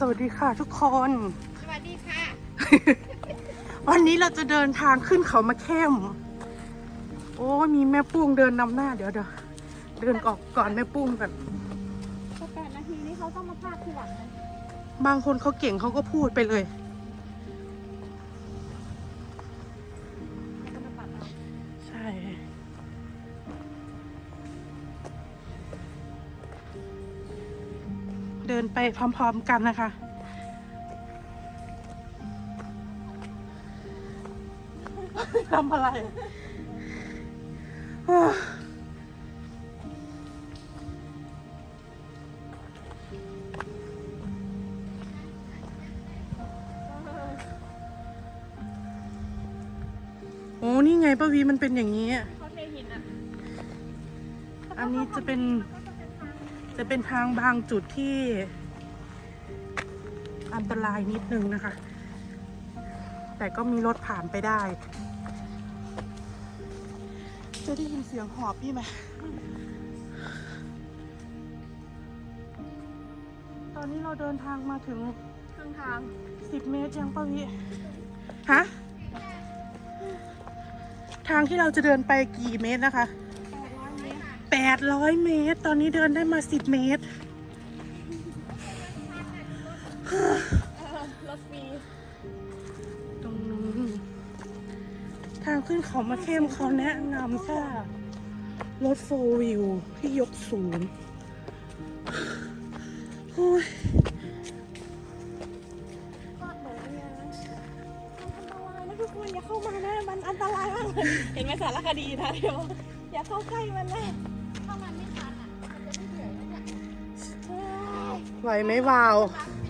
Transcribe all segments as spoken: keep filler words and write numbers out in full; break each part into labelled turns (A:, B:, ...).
A: วัสดีค่ะทุกคน
B: สวัสดีค่ะ
A: วันนี้เราจะเดินทางขึ้นเขามาเข้มโอ้มีแม่ปุ้งเดินนำหน้าเดี๋ยวเดี๋ยวเดินออกก่อนแม่ปุ้งกัน
B: แปดนาทีนี้เขาต้องมาพากทีหลังนะ
A: บางคนเขาเก่งเขาก็พูดไปเลยใช่เดินไปพร้อมๆกันนะคะทำอะไรโอ้นี่ไงป้าวีมันเป็นอย่างนี้เขาเทหินอ่ะอันนี้จะเป็นจะเป็นทางบางจุดที่อันตรายนิดนึงนะคะแต่ก็มีรถผ่านไปได้จะได้ยินเสียงหอบพี่ไหมตอนนี้เราเดินทางมาถึงครึ่งทางสิบเมตรยังป้าวิฮะทางที่เราจะเดินไปกี่เมตรนะคะแปดร้อยเมตรตอนนี้เดินได้มาสิบเมตร
B: รถฟรี
A: ตรงนู้นทางขึ้นเขามาเข้มเขาแนะนำแค่รถโฟร์วิวที่ยกสูงโอ้ย
B: ก็หนูเนี่ยนะอันตรายนะทุกคนอย่าเข้ามานะมันอันตรายมากเลยเห็นไหมสารคดีนะเดี๋ยวอย่าเข้าใกล้มันนะถ้ามันไม่ทันอ่ะมันจะไม่เหนื่อยนะเนี่ย
A: ไหวไหมวาว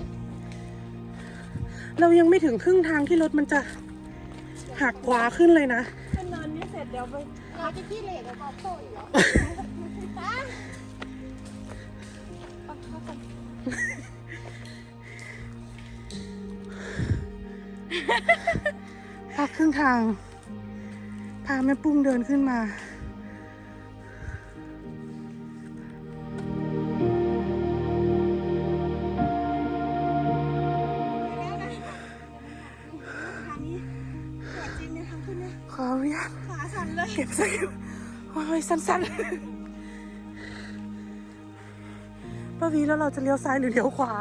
A: เรายังไม่ถึงครึ่งทางที่รถมันจะหักขวาขึ้นเลยนะ
B: ขึ้นเนินนี่เสร็จเดี๋ยวไปเราจะขี้เหร่กับกอบโต้อยู่แล้ว
A: พักครึ่งทางพาแม่ปุ้งเดินขึ้นมาขออนุญาต
B: ขาสั่นเลย
A: เก็บสกิลโอ้ยสั้นๆป้าวีแล้วเราจะเลี้ยวซ้ายหรือเลี้ยวขวา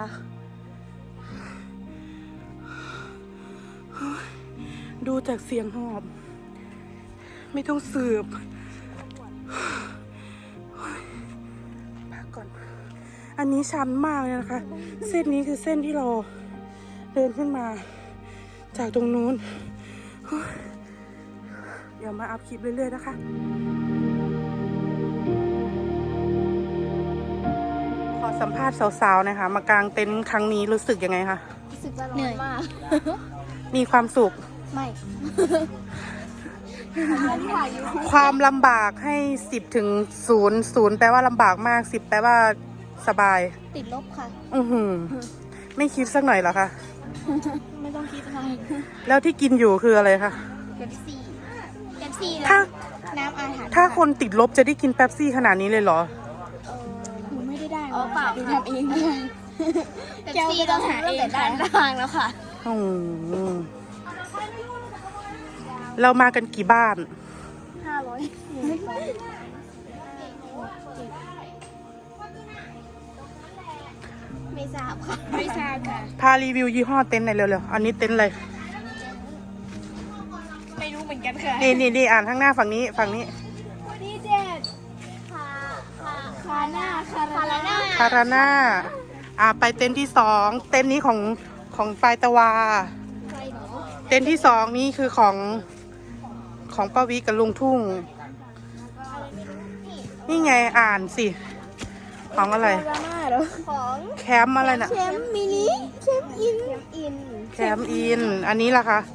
A: ดูจากเสียงหอบไม่ต้องสืบพักก่อนอันนี้ชันมากเลยนะคะเส้นนี้คือเส้นที่เราเดินขึ้นมาจากตรงนู้นเดี๋ยวมาอัพคลิปเรื่อยๆนะคะขอสัมภาษณ์สาวๆนะคะมากางเต็นท์ครั้งนี้รู้สึกยังไงคะ
B: รู้สึกว่าเหนื่อยมาก
A: มีความสุข
B: ไม่
A: ความลำบากให้สิบถึงศูนย์ศูนย์แปลว่าลำบากมากสิบแปลว่าสบาย
B: ติดลบค่ะ
A: อือหือไม่คิดสักหน่อยเหรอคะ
B: ไม่ต้องคิดอะไร
A: แล้วที่กินอยู่คืออะไรคะ
B: เป๊ปซี่เป๊ปซี่
A: ถ้า
B: น้ำอาหาร
A: ถ้าคนติดลบจะได้กินเป๊ปซี่ขนาดนี้เลยเหรอ
B: หนูไม่ได้ได้อ๋อเปล่าดูทำเองแก้วไม่ต้องหาเองด้านทางแล้วค่ะ
A: อืมเรามากันกี่บ้าน
B: ห้าร้อยไม่ทราบค่ะไม่ทราบค่ะ
A: พารีวิวยี่ห้อเต็นท์หน่อยเร็วๆอันนี้เต็นท์อะไร
B: ไม่รู้เหมือนกันค่ะ
A: นี่นี่นี่อ่านข้างหน้าฝั่งนี้ฝั่งนี้
B: ดีเจ็ดคาคาคาหน้าคาราน่า
A: คาราน่าอ่าไปเต็นท์ที่สองเต็นท์นี้ของของปลายตะวาเต็นท์ที่สองนี้คือของของป้าวิกับลุงทุ่งนี่ไงอ่านสิของอะไร
B: ของ
A: แคมป์อะไรน่ะ
B: แคมป์มินิแคมป์อินอิน
A: แคมป์อินอันนี้ล่ะคะ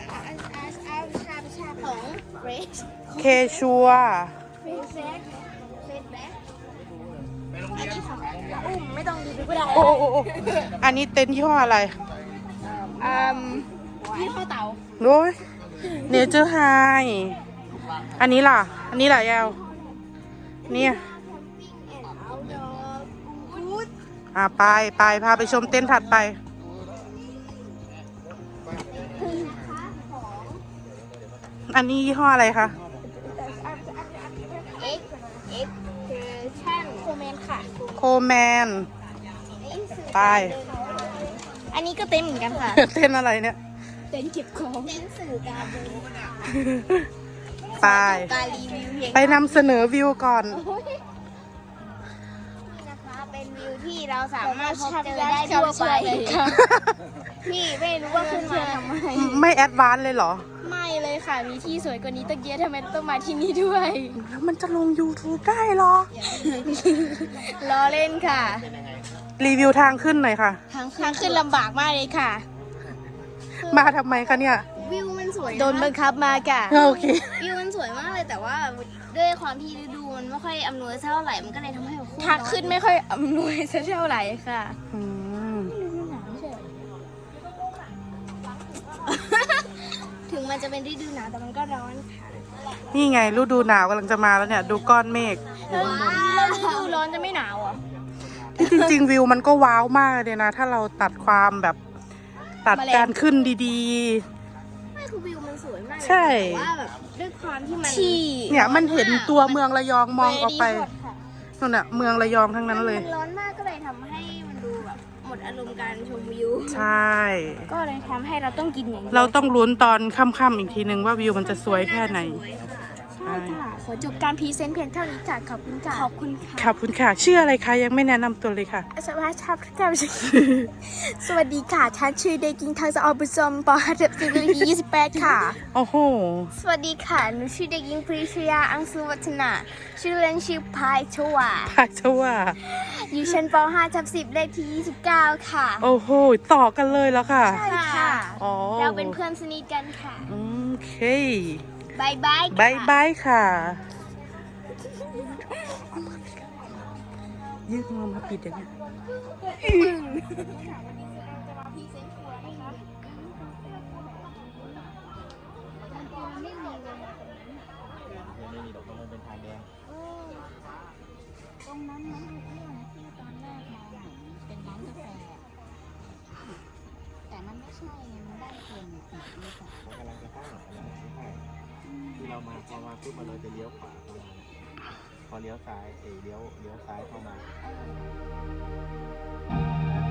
B: ของเฟรช
A: เคชัว
B: เฟรชแบ็คเฟรชแบ็คอันนี้ของอุ้มไม่ต้องดูก็ได้
A: โอ้โอ้อันนี้เต็นท์ยี่ห้ออะไร
B: อืมยี่ห้อเต่า
A: โอ้ยเนเจอร์ไฮอันนี้ล่ะอันนี้ล่ะยาวเนี่ยอ่าไปไปพาไปชมเต็นท์ถัดไปอันนี้ยี่ห้ออะไรคะ
B: เอ็กเอ็กคือชั่นโคเมนค่ะ
A: โคแมน ไป
B: อันนี้ก็เต็มเหมือนกันค่ะ
A: เต้นอะไรเนี่ย
B: เต็นเก็บของเต็นสื่อการเดิน
A: ไป
B: การรีวิวเพียง
A: ไปนำเสนอวิวก่อน
B: นี่นะคะเป็นวิวที่เราสามารถพบเจอได้ทั่วไปพี่ไม่รู้ว่าขึ้นมาทำไม
A: ไม่แอดวานซ์เลยเหรอ
B: ไม่เลยค่ะมีที่สวยกว่านี้ตั้งเยอะทำไมต้องมาที่นี่ด้วย
A: แล้วมันจะลง YouTube ได้เหรอ
B: ล้อเล่นค่ะ
A: รีวิวทางขึ้นหน่อยค่ะ
B: ทางขึ้นทางขึ้นลำบากมากเลยค่ะ
A: มาทำไมคะเนี่ย
B: วิวมันสวยโดนบังคับมาค่ะ
A: โอเค
B: วิวมันสวยมากเลยแต่ว่าด้วยความที่ฤดูมันไม่ค่อยอำนวยเท่าไหร่มันก็เลยทำให้ทางขึ้นไม่ค่อยอำนวยสักเท่าไหร่ค่ะ
A: อืม
B: ถึงมันจะเป็นฤดูหนาวแต่มันก็ร้อนค่ะ
A: นี่ไงฤดูหนาวกำลังจะมาแล้วเนี่ย ดูก้อนเมฆ
B: แล้วฤดูร้อนจะไม่หนาวอ่ะ
A: ที่จริง ๆ วิวมันก็ว้าวมากเลยนะ ถ้าเราตัดความแบบตัดการขึ้นดี
B: ไม่คือวิวมันสวยมากเลย
A: ใช่
B: แต่ว่าแบบด้วยความที่มัน
A: ๆ เนี่ยมันเห็นตัวเมืองระยองมองออกไปนั่นน่ะเมืองระยองทั้งนั้นเลย
B: มันร้อนมากก็เลยทำให้มันดูแบบหมดอารมณ์การชมวิว
A: ใช่
B: ก็เลยทำให้เราต้องกินอย่างนี้
A: เราต้องลุ้นตอนค่ำๆอีกทีนึงว่าวิวมันจะสวยแค่ไหน
B: ใช่ค่ะ ขอจบการพรีเซนต์เพียงเท่านี้ค่ะ ขอบคุณค่ะ ขอบคุณค่ะ
A: ขอบคุณค่ะ ชื่ออะไรคะยังไม่แนะนำตัวเลยค่ะ
B: สวัสดีครับท่านสวัสดีค่ะฉันชื่อเด็กหญิงทางสะออบุษมปอฮัตสิบปียี่สิบแปดค่ะ
A: โอ้โห
B: สวัสดีค่ะ หนูชื่อเด็กหญิงปรีชยา อังสุวัฒนา ชื่อเล่นชื่อพายชวา
A: พาชว่า
B: อยู่ชั้นป .ห้า ทับสิบเลขที่ยี่สิบเก้าค่ะ
A: โอ้โห ต่อกันเลยแล้วค่ะ
B: ใช่ค่ะ
A: อ๋อ
B: เราเป็นเพื่อนสนิทกันค่ะ
A: โอเค
B: บายบาย
A: บายบายค่ะยืดมือมาปิดอย่างนี้
C: ไม่มีดอกต้องเป็นทางแดง
B: ตรงนั้นนั้นเรื่องที่ตอนแรกมาเป็นร้านกาแฟแต่มันไม่ใช่มันได้เพียงสิบเมตร
C: เขากำลังจะเข้าหากำลังจะเข้าที่เรามาพอมาปุ๊บมาเลยจะเลี้ยวขวาเข้ามาพอเลี้ยวซ้ายเอยเลี้ยวเลี้ยวซ้ายเข้ามา